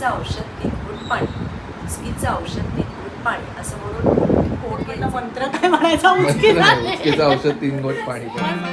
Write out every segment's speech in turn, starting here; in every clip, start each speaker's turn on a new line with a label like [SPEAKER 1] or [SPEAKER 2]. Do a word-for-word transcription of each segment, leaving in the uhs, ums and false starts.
[SPEAKER 1] उचकीचं औषध तीन घोट पाणी, उचकीचं औषध तीन घोट पाणी असं म्हणून पोट गेला.
[SPEAKER 2] मंत्र काय म्हणायचा? उचकीचं
[SPEAKER 3] उचकीचं औषध तीन घोट पाणी.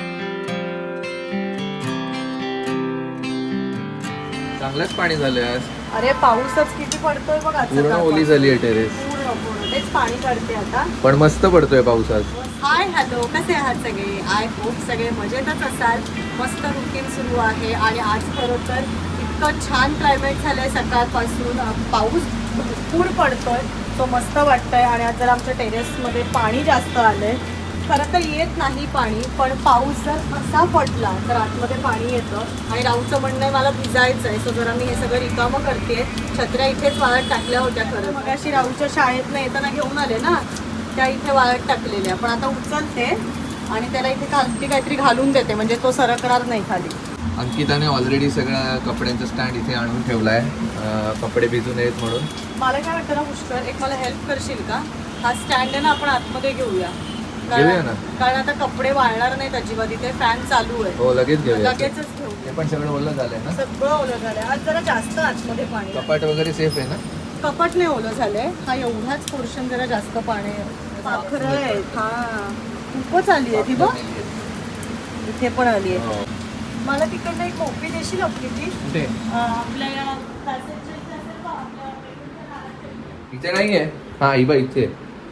[SPEAKER 3] चांगलंच पाणी झालंय आज.
[SPEAKER 2] अरे पाऊसच किती पडतोय बघ आज.
[SPEAKER 3] पूर्ण ओली झाली आहे टेरेस.
[SPEAKER 2] पूर्ण पूर्ण तेच पाणी काढते आता.
[SPEAKER 3] पण मस्त पडतोय पाऊस आज.
[SPEAKER 2] हाय हॅलो, कसे आहात सगळे? आय होप सगळे मजेतच असाल. मस्त रुटीन सुरू आहे आणि आज खरं तर इतकं छान क्लायमेट झालंय सकाळपासून. पाऊस भरपूर पडतोय, तो मस्त वाटतंय. आणि आज जर आमच्या टेरेसमध्ये पाणी जास्त आलंय. खरं तर येत नाही पाणी, पण पाऊस जर असा पडला तर आतमध्ये पाणी येतं. आणि राऊचं म्हणणं आहे मला भिजायचं आहे, सो जरा मी हे सगळं रिकामं करते. छत्र्या इथेच वाळत टाकल्या होत्या खरं. मग अशी राऊच्या शाळेतनं येताना घेऊन आले ना, त्या इथे वाळत टाकलेल्या. पण आता उचलते आणि त्याला इथे खालती काहीतरी घालून देते, म्हणजे तो सरकणार नाही खाली.
[SPEAKER 3] अंकिताने ऑलरेडी सगळ्या कपड्यांचा स्टँड इथे आणून ठेवलाय, कपडे भिजू नयेत म्हणून.
[SPEAKER 2] मला काय वाटतं ना पुष्कर, एक मला हेल्प करशील का? हा स्टँड आहे ना, आपण आतमध्ये घेऊया.
[SPEAKER 3] घेऊया ना.
[SPEAKER 2] कारण आता कपडे वाळणार नाहीत अजिबात. इथे फॅन चालू आहे.
[SPEAKER 3] हो लगेच घेऊया.
[SPEAKER 2] लगेचच घेऊ.
[SPEAKER 3] हे पण सगळं ओलं झालंय ना.
[SPEAKER 2] सगळं ओलं झालंय. आज जरा जास्त आतमध्ये पाणी.
[SPEAKER 3] कपाट वगैरे सेफ आहे ना.
[SPEAKER 2] कपाट नाही ओलं झालंय. हा एवढाच पोर्शन जरा जास्त पाणी पाखरं आहेत. हा खूपच आली आहे ती बघ. इथे पण आली आहे.
[SPEAKER 3] हो.
[SPEAKER 2] मला तिकडनं एक कॉफी देशील आपली ती?
[SPEAKER 3] कुठे?
[SPEAKER 2] आपल्या या passage च्या इथे असेल का? आपल्या bedroom च्या खाली.
[SPEAKER 3] इथे नाहीये. हा इबा इथे.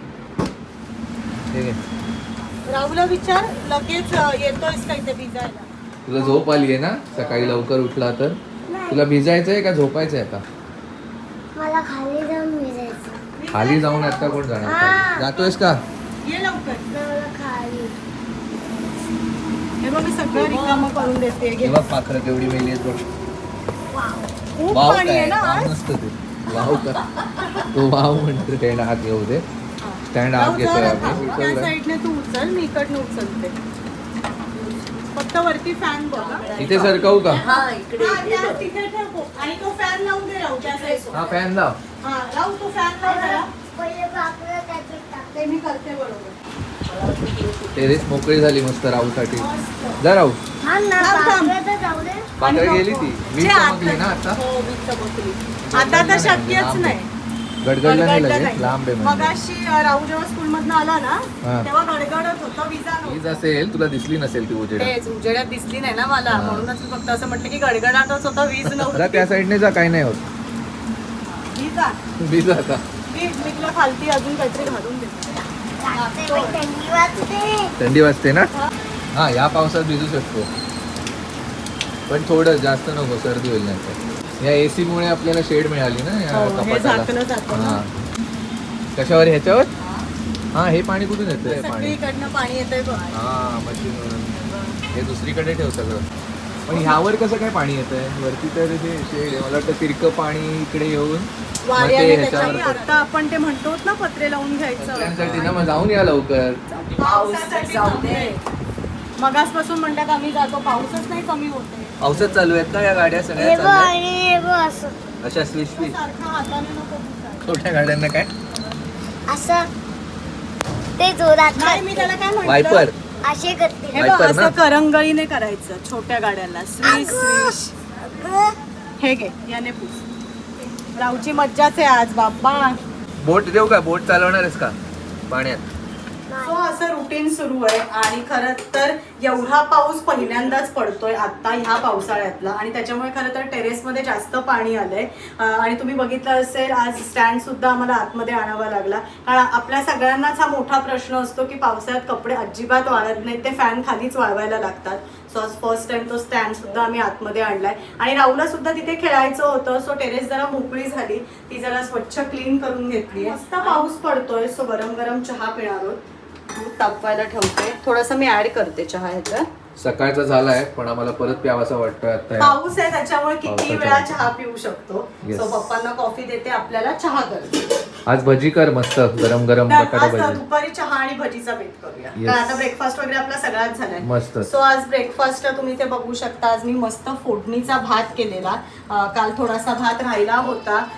[SPEAKER 3] ठीक आहे.
[SPEAKER 2] राहुलला विचार, लगेच येतोयस का इथे भिजायला?
[SPEAKER 3] तुला झोप आली आहे ना, सकाळी लवकर उठला तर. तुला भिजायचंय का झोपायचंय आता?
[SPEAKER 4] मला खाली जाऊन भिजायचं.
[SPEAKER 3] खाली जाऊन आता कोण जाणार? जातोयस का?
[SPEAKER 2] ये लवकर.
[SPEAKER 4] मला खाली.
[SPEAKER 2] हे बघ मी सगळं रिकामं करून देते. घे.
[SPEAKER 3] तेव्हा पाखरं केवढी मेली आहेत बघ.
[SPEAKER 2] खूप
[SPEAKER 3] वाव
[SPEAKER 2] पाणी आहे
[SPEAKER 3] काय?
[SPEAKER 2] ना
[SPEAKER 3] वाव
[SPEAKER 2] आज.
[SPEAKER 3] नसतं ते. वाव का? तो वाव म्हणतो. स्टँड आत घेऊ दे. स्टँड आत
[SPEAKER 2] राहू
[SPEAKER 3] घेतोय
[SPEAKER 2] जरा
[SPEAKER 3] आम्ही.
[SPEAKER 2] थांब. त्या
[SPEAKER 3] उचललाय.
[SPEAKER 2] साईडने तू उचल, मी इकडनं उचलते. फक्त वरती फॅन बघ हा.
[SPEAKER 3] इथे सरकवू का?
[SPEAKER 1] हा इकडे
[SPEAKER 2] हा,
[SPEAKER 1] इकडे
[SPEAKER 2] त्या
[SPEAKER 1] बघ.
[SPEAKER 2] तिथे ठेव. आणि तो फॅन लावून दे राहू त्या साईड.
[SPEAKER 3] हा फॅन लाव.
[SPEAKER 2] हा राहू, तो फॅन लाव जरा.
[SPEAKER 4] पहिले पाकळं त्याच्यात टाक.
[SPEAKER 2] ते मी करते बरोबर.
[SPEAKER 3] टेरेस मोकळी झाली मस्त राहूसाठी.
[SPEAKER 2] मस्त.
[SPEAKER 3] जा राहू.
[SPEAKER 4] थांब ना,
[SPEAKER 2] थांब, थांब.
[SPEAKER 4] पाकळं तर जाऊ दे.
[SPEAKER 3] पाखरं
[SPEAKER 2] आणि
[SPEAKER 3] गेली
[SPEAKER 2] नको.
[SPEAKER 3] ती. वीज
[SPEAKER 2] जे
[SPEAKER 3] चमकली ना आता.
[SPEAKER 2] हो वीज चमकली. आता तर शक्यच
[SPEAKER 3] लांब
[SPEAKER 2] नाही.
[SPEAKER 3] आहे. गडगडलं नाही
[SPEAKER 2] गडगडलं
[SPEAKER 3] लगेच.
[SPEAKER 2] नाही.
[SPEAKER 3] लांब आहे म्हणजे.
[SPEAKER 2] मगाशी अ, राहू जेव्हा स्कूल मधनं आला ना,
[SPEAKER 3] हा.
[SPEAKER 2] तेव्हा गडगडत होतं, विजा
[SPEAKER 3] वीज
[SPEAKER 2] नव्हतं.
[SPEAKER 3] असेल तुला दिसली नसेल ती उजेड.
[SPEAKER 2] तेच उजेडात दिसली नाही ना मला,
[SPEAKER 3] हा.
[SPEAKER 2] म्हणूनच मी फक्त असं म्हटलं की गडगडाटच होतं, वीज
[SPEAKER 3] आता
[SPEAKER 2] नव्हती.
[SPEAKER 3] त्या साईडने जा, काही नाही होत.
[SPEAKER 2] विजा
[SPEAKER 3] वीज आता.
[SPEAKER 2] वीज मी तुला खालती अजून काहीतरी घालून देते.
[SPEAKER 4] लागते बाई, थंडी वाजते.
[SPEAKER 3] थंडी वाजते ना. हा या पावसात भिजू शकतो, पण थोडं जास्त नको, सर्दी होईल नाही. या एसी मुळे आपल्याला शेड मिळाली ना या
[SPEAKER 2] हो, हे झाकलं
[SPEAKER 3] कपाटाला.
[SPEAKER 2] जातं ना.
[SPEAKER 3] हा. कशावर? ह्याच्यावर. हा हे पाणी कुठून येतंय? पाणी
[SPEAKER 2] सगळीकडनं पाणी येतंय बघ.
[SPEAKER 3] हा मशीन. हे दुसरीकडे ठेव सगळं. पण ह्यावर कसं काय पाणी येतंय? वरती तर हे शेड आहे. मला वाटतं तिरकं पाणी इकडे येऊन मग ते
[SPEAKER 2] वाऱ्याने
[SPEAKER 3] ह्याच्यावर
[SPEAKER 2] त्याच्यावर आता आपण ते म्हणतो ना पत्रे लावून घ्यायचं.
[SPEAKER 3] त्यांसाठी ना मग जाऊन या लवकर.
[SPEAKER 1] पाऊस जाऊ दे.
[SPEAKER 2] मगासपासून म्हणतात आम्ही जातो, पाऊसच नाही कमी होते.
[SPEAKER 3] पावसात चालू आहेत का या गाड्या
[SPEAKER 4] हे
[SPEAKER 3] सगळ्या
[SPEAKER 4] बघ
[SPEAKER 3] चालल्या?
[SPEAKER 4] आणि हे बघ असं.
[SPEAKER 3] अशा स्विच स्विच
[SPEAKER 2] सारखा हाताने नको पुसायला.
[SPEAKER 3] छोट्या गाड्यांना काय
[SPEAKER 4] असं ते जोरात
[SPEAKER 2] नाही मी त्याला काय म्हणतो,
[SPEAKER 3] वायपर.
[SPEAKER 4] असे करते.
[SPEAKER 2] हे बघ
[SPEAKER 3] वायपर
[SPEAKER 2] असं
[SPEAKER 3] ना?
[SPEAKER 2] करंगळीने करायचं छोट्या गाड्यांना. Swish swish.
[SPEAKER 4] अगं,
[SPEAKER 2] हे घे याने पूस. राऊची मज्जाच आहे आज बाप्पा.
[SPEAKER 3] बोट देऊ का? बोट चालवणार आहेस का पाण्यात?
[SPEAKER 2] सो असं रुटीन सुरू आहे. आणि खरं तर एवढा पाऊस पहिल्यांदाच पडतोय आता ह्या पावसाळ्यातला, आणि त्याच्यामुळे खरं तर टेरेसमध्ये जास्त पाणी आलंय. आणि तुम्ही बघितलं असेल आज स्टँड सुद्धा आम्हाला आतमध्ये आणावा लागला, कारण आपल्या सगळ्यांनाच हा मोठा प्रश्न असतो की पावसाळ्यात कपडे अजिबात वाळत नाहीत, ते फॅन खालीच वाळवायला लागतात. सो आज फर्स्ट टाइम तो स्टँड सुद्धा आम्ही आतमध्ये आणलाय. आणि राहुलला सुद्धा तिथे खेळायचं होतं, सो टेरेस जरा मोकळी झाली, ती जरा स्वच्छ क्लीन करून घेतली. मस्त पाऊस पडतोय, सो गरम गरम चहा पिणार आहोत. दूध तापवायला ठेवते, थोडंसं मी ऍड करते चहा ह्याच्यात.
[SPEAKER 3] सकाळचा झालाय पण आम्हाला परत प्यावासा वाटतोय आता.
[SPEAKER 2] पाऊस आहे त्याच्यामुळे किती
[SPEAKER 3] पावसाचा.
[SPEAKER 2] वेळा चहा पिऊ शकतो.
[SPEAKER 3] Yes.
[SPEAKER 2] सो पप्पांना कॉफी देते, आपल्याला चहा करते.
[SPEAKER 3] आज भजी कर मस्त, गरम गरम
[SPEAKER 2] तर
[SPEAKER 3] बटाटा
[SPEAKER 2] आज
[SPEAKER 3] भजी.
[SPEAKER 2] दुपारी चहा आणि भजीचा बेत करूया.
[SPEAKER 3] Yes.
[SPEAKER 2] कारण आता ब्रेकफास्ट वगैरे आपला सगळ्यात झालाय.
[SPEAKER 3] मस्त.
[SPEAKER 2] सो आज ब्रेकफास्ट तुम्ही ते बघू शकता. आज मी मस्त फोडणीचा भात केलेला. अं, काल थोडासा भात राहिला होता,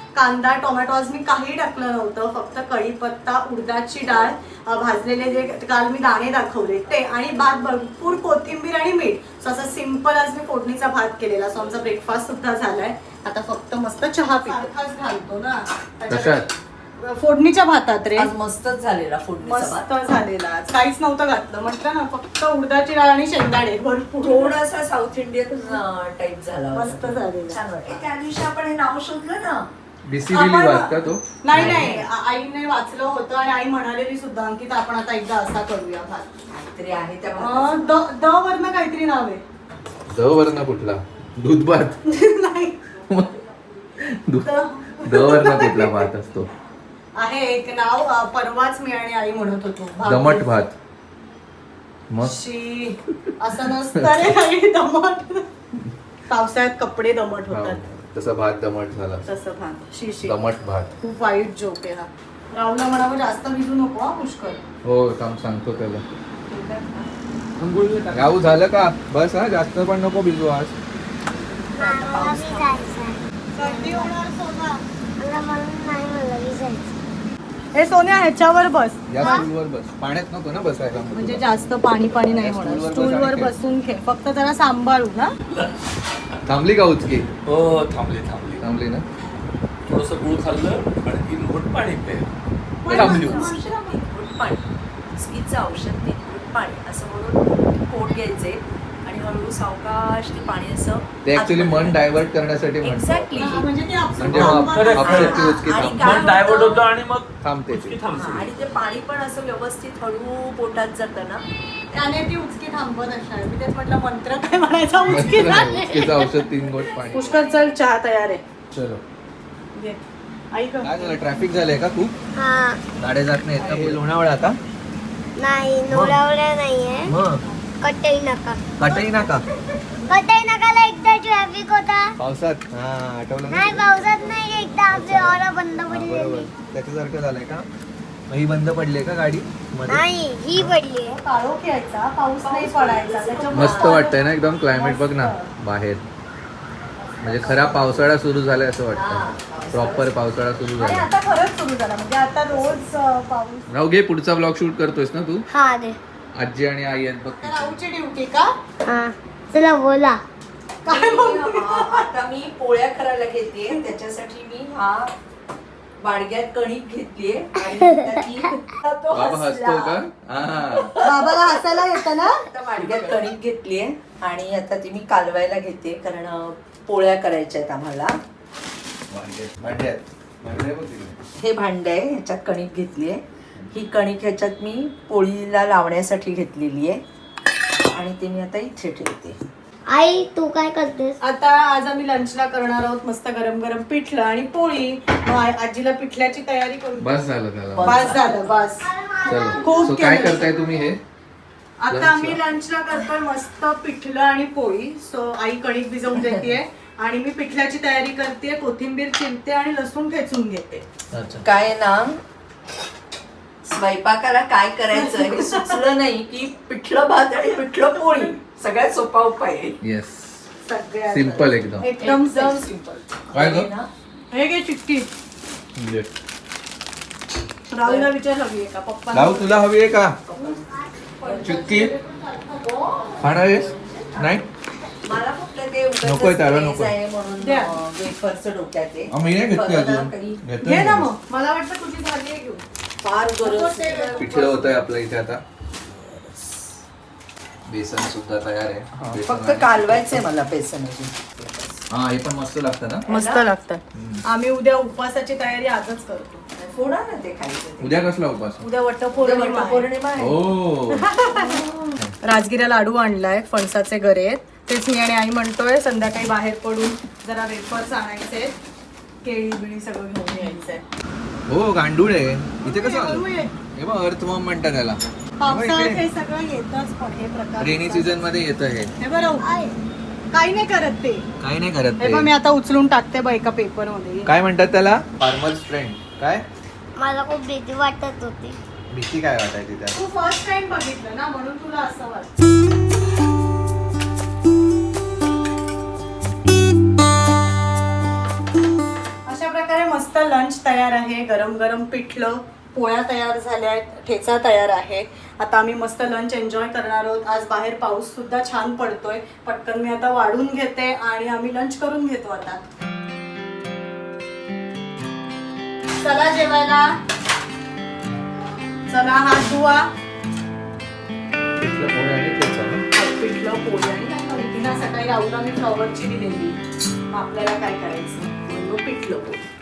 [SPEAKER 2] कांदा टोमॅटो आज मी काही टाकलं नव्हतं, फक्त कढीपत्ता, उडदाची डाळ, अ, भाजलेले जे काल मी दाणे दाखवले ते, आणि भात, भरपूर कोथिंबीर आणि मीठ. सो असं सिंपल आज मी फोडणीचा भात केलेला. सो आमचा ब्रेकफास्ट सुद्धा झालाय. आता फक्त मस्त चहा पितो घालतो ना
[SPEAKER 3] कशात?
[SPEAKER 2] फोडणीच्या भातात रे.
[SPEAKER 1] आज मस्तच झालेला फोडणीचा
[SPEAKER 2] मस्त
[SPEAKER 1] भात.
[SPEAKER 2] झालेला. आज काहीच नव्हतं घातलं, म्हटलं ना फक्त उडदाची डाळ आणि शेंगदाणे भरपूर.
[SPEAKER 1] थोडासा साऊथ इंडियन टाईप झाला.
[SPEAKER 2] मस्त झालेला.
[SPEAKER 1] छान वाटलं. त्या दिवशी आपण हे नाव शोधलं ना,
[SPEAKER 3] बिसिबिली
[SPEAKER 2] आपण-
[SPEAKER 3] भात का तो?
[SPEAKER 2] नाही नाही आ- आईने वाचलं होतं आणि आई म्हणालेली सुद्धा अंकिता आपण आता एकदा असा करूया भात.
[SPEAKER 1] काहीतरी आहे त्या
[SPEAKER 2] अं,
[SPEAKER 1] भाताचं.
[SPEAKER 2] द द वरनं काहीतरी नाव आहे.
[SPEAKER 3] द वर्ण कुठला? दूध भात.
[SPEAKER 2] नाही
[SPEAKER 3] दू-
[SPEAKER 2] द-
[SPEAKER 3] द वर्ण कुठला भात असतो?
[SPEAKER 2] आहे एक नाव, अं, परवाच मी आणि आई म्हणत होतो. भात.
[SPEAKER 3] दमट भात. मग
[SPEAKER 2] शी असं नसतं रे काही दमट. पावसाळ्यात कपडे दमट
[SPEAKER 3] हो,
[SPEAKER 2] होतात
[SPEAKER 3] तसा भात दमट झाला.
[SPEAKER 2] तसं भात. शी शी
[SPEAKER 3] दमट भात.
[SPEAKER 2] खूप वाईट जोक आहे हा. राहुलला म्हणावं जास्त भिजू नको हा पुष्कळ.
[SPEAKER 3] हो थांब सांगतो त्याला. राहू झालं का? बस हा, जास्त पण नको भिजू आज.
[SPEAKER 4] मला बी जायचं
[SPEAKER 2] सर्दी होणार सोना.
[SPEAKER 4] मला म्हणून नाही मला बी जायचं.
[SPEAKER 2] हे सोन्या ह्याच्यावर बस.
[SPEAKER 3] या स्टूलवर बस. पाण्यात नको ना बसायला.
[SPEAKER 2] म्हणजे जास्त पाणी पाणी नाही
[SPEAKER 3] या
[SPEAKER 2] होणार.
[SPEAKER 3] स्टूलवर बस
[SPEAKER 2] स्टूलवर
[SPEAKER 3] आणि खेळ.
[SPEAKER 2] बसून खेळ, फक्त जरा सांभाळू ना.
[SPEAKER 3] थांबली का उचकी?
[SPEAKER 5] हो थांबली थांबली
[SPEAKER 3] थांबली ना.
[SPEAKER 5] थोडस गुळ खाल्लं आणि तीन घोट पाणी प्यायलं थांबली होती.
[SPEAKER 1] तीन पाणी, चुकीचं औषध, तीन घोट पाणी असं म्हणून पोट घ्यायचे आणि हळूहळू सावकाश ते पाणी असं
[SPEAKER 3] ते ऍक्च्युली मन डायव्हर्ट करण्यासाठी म्हणतो.
[SPEAKER 1] एक्झॅक्टली.
[SPEAKER 2] हा, म्हणजे ते आपसूक
[SPEAKER 3] म्हणजे
[SPEAKER 2] थांबणार
[SPEAKER 5] खरंच.
[SPEAKER 2] नाही.
[SPEAKER 3] अपशक्ती ती उचकी
[SPEAKER 1] आणि
[SPEAKER 3] थांबते.
[SPEAKER 1] काय
[SPEAKER 5] मन डायव्हर्ट होतं आणि मग
[SPEAKER 3] थांबते
[SPEAKER 5] उचकी
[SPEAKER 3] ती.
[SPEAKER 5] थांबते.
[SPEAKER 1] आणि ते पाणी पण असं व्यवस्थित हळू पोटात जातं ना.
[SPEAKER 2] त्याने ती उचकी थांबत असणार. मी तेच म्हटलं मंत्र काय म्हणायचा उचकी झाली.
[SPEAKER 3] उचकीचं औषध तीन गोट पाणी.
[SPEAKER 2] पुष्कळ चल चहा तयार आहे.
[SPEAKER 3] चलो.
[SPEAKER 2] घे. ऐक
[SPEAKER 3] काय झालं? ट्रॅफिक झालंय का खूप?
[SPEAKER 4] हा
[SPEAKER 3] गाड्या जात नाहीत का? हे लोणावळा आता?
[SPEAKER 4] नाही नवऱ्यावऱ्या नाहीये.
[SPEAKER 3] मग
[SPEAKER 4] कटई नका
[SPEAKER 3] काटही ना का?
[SPEAKER 4] कटई नकाला एकदा ट्रॅफिक होता.
[SPEAKER 3] पावसात? हा आठवलं
[SPEAKER 4] नाही
[SPEAKER 3] ना?
[SPEAKER 4] पावसात नाही, एकदा आपली ऑरा बंद
[SPEAKER 3] हा,
[SPEAKER 4] पडलेली.
[SPEAKER 3] बरोबर. त्याच्यासारखं झालंय का? मग ही बंद पडली का गाडी मध्ये?
[SPEAKER 4] नाही ही पडली.
[SPEAKER 2] काळोख यायचा, पाऊस नाही पडायचा. त्याच्यामुळे
[SPEAKER 3] मस्त वाटतंय ना एकदम क्लायमेट. बघ ना बाहेर. म्हणजे खरा पावसाळा सुरू झालाय असं वाटतं. प्रॉपर पावसाळा सुरू
[SPEAKER 2] आणि
[SPEAKER 3] झाला.
[SPEAKER 2] आता खरंच सुरू झाला. म्हणजे आता रोज अं, पाऊस.
[SPEAKER 3] राहू घे, पुढचा ब्लॉग शूट करतोयस ना तू?
[SPEAKER 4] हा दे.
[SPEAKER 3] आजी आणि आई आहेत बघ
[SPEAKER 2] तर
[SPEAKER 3] तिथे.
[SPEAKER 2] राहूची ड्युटी का?
[SPEAKER 4] हा चला बोला.
[SPEAKER 2] काय बोलू?
[SPEAKER 1] मी, अं, आता मी पोळ्या करायला घेते. त्याच्यासाठी मी हा वाडग्यात कणिक घेतलीये आणि आता ती- तो
[SPEAKER 3] बाबा हसतो
[SPEAKER 1] हसला.
[SPEAKER 3] का? हा.
[SPEAKER 2] बाबाला हसायला येतं ना.
[SPEAKER 1] आता वाडग्यात कणिक घेतलीये आणि आता ती मी कालवायला घेते, कारण अं, पोळ्या करायच्या आहेत आम्हाला.
[SPEAKER 3] भांड्यात. भांड्यात. भांड्यात बघ तिकडे.
[SPEAKER 1] हे भांड आहे, ह्याच्यात कणिक घेतली आहे. ही कणिक ह्याच्यात मी पोळीला लावण्यासाठी घेतलेली आहे आणि ते मी आता इथे ठेवते.
[SPEAKER 4] आई तू काय करतेस?
[SPEAKER 2] आता आज आम्ही लंचला करणार आहोत मस्त गरम गरम पिठलं आणि पोळी. मग आ- आजीला पिठल्याची तयारी करू.
[SPEAKER 3] बस झालं त्याला.
[SPEAKER 2] बस झालं बस.
[SPEAKER 3] चलो.
[SPEAKER 2] खूप
[SPEAKER 3] सो काय
[SPEAKER 2] केलं.
[SPEAKER 3] करताय तुम्ही हे?
[SPEAKER 2] आता
[SPEAKER 3] लंचला?
[SPEAKER 2] आम्ही लंचला करतोय मस्त पिठलं आणि पोळी. सो आई कणिक भिजवून देते आणि मी पिठल्याची तयारी करते, कोथिंबीर चिरते आणि लसूण ठेचून घेते.
[SPEAKER 1] काय ना, स्वयंपाकाला काय करायचं हे सुचलं नाही की पिठलं भात आणि पिठलं पोळी सगळ्यात सोपा उपाय आहे.
[SPEAKER 3] येस.
[SPEAKER 2] सगळ्यात
[SPEAKER 3] सिम्पल एकदम.
[SPEAKER 2] एकदम
[SPEAKER 1] एकदम
[SPEAKER 2] सिम्पल.
[SPEAKER 3] काय ग?
[SPEAKER 1] ना,
[SPEAKER 2] हे घे चिटकी.
[SPEAKER 3] म्हणजे
[SPEAKER 2] राहुलला विचार हवी आहे का पप्पा?
[SPEAKER 3] राहू तुला हवी आहे का चुटकी? खाणार आहेस? नाही?
[SPEAKER 1] मला फक्त ते उगाचच
[SPEAKER 3] नकोय त्याला,
[SPEAKER 1] craze
[SPEAKER 3] नकोय.
[SPEAKER 1] आहे म्हणून
[SPEAKER 2] द्या.
[SPEAKER 1] अं, वेफरचं डोक्यात आहे.
[SPEAKER 3] आम्ही नाही घेतली
[SPEAKER 1] बघा ना,
[SPEAKER 3] अजून.
[SPEAKER 1] कधी
[SPEAKER 3] घेतोय
[SPEAKER 2] घे ना
[SPEAKER 3] मी.
[SPEAKER 2] मग. मला वाटतं तुझी झाली आहे घेऊन.
[SPEAKER 1] फार गरज
[SPEAKER 3] पिठलं होत आहे आपल्या इथे आता. बेसन सुद्धा तयार आहे. बेसन
[SPEAKER 1] फक्त
[SPEAKER 3] आणि-
[SPEAKER 1] कालवायचंय मला बेसन अजून.
[SPEAKER 3] हा हे पण मस्त लागतं ना.
[SPEAKER 2] मस्त लागतात. आम्ही उद्या उपवासाची तयारी आजच करतो.
[SPEAKER 1] फोडा ना ते खायचं ते.
[SPEAKER 3] उद्या कसला उपास?
[SPEAKER 2] उद्या
[SPEAKER 1] उद्या
[SPEAKER 2] वटपौर्णिमा आहे.
[SPEAKER 1] वटपौर्णिमा आहे.
[SPEAKER 3] हो.
[SPEAKER 2] राजगिरा लाडू आणलाय, फणसाचे गरे आहेत. तेच मी आणि आई म्हणतोय संध्याकाळी बाहेर पडून जरा वेफर्स आणायचे, केळी बिळी सगळं घेऊन यायचंय.
[SPEAKER 3] हो गांडूळ आहे. इथे कसं आलं?
[SPEAKER 2] बरोबर आहे.
[SPEAKER 3] हे बघ अर्थवॉर्म म्हणतात त्याला.
[SPEAKER 2] पावसाळ्यात हे सगळं येतच, पण हे प्रकार
[SPEAKER 3] रेनी सीझन मध्ये येतं हे.
[SPEAKER 2] हे बरं काही नाही करत ते.
[SPEAKER 3] काही नाही करत
[SPEAKER 2] हे पण मी
[SPEAKER 3] ते.
[SPEAKER 2] आता उचलून टाकते बा एका पेपर मध्ये.
[SPEAKER 3] काय म्हणतात त्याला? Farmers friend. काय
[SPEAKER 4] मला खूप भीती वाटत होती.
[SPEAKER 3] भीती काय वाटायची त्या?
[SPEAKER 2] तू फर्स्ट टाइम बघितलं ना म्हणून तुला असं वाटतं. अशा प्रकारे मस्त लंच तयार आहे. गरम गरम पिठलं, पोळ्या तयार झाल्या आहेत, ठेचा तयार आहे. आता आम्ही मस्त लंच एन्जॉय करणार आहोत. आज बाहेर पाऊस सुद्धा छान पडतोय. पटकन मी आता वाढून घेते आणि आम्ही लंच करून घेतो आता. चला जेवायला. चला हात धुवा.
[SPEAKER 3] पिठलं पोळी आणि ठेचा ना?
[SPEAKER 2] पिठलं पोळी आणि तिला सकाळी राहूला मी फ्लॉवरची दिलेली. मग आपल्याला काय करायचं, म्हणून पिठलं पोळी.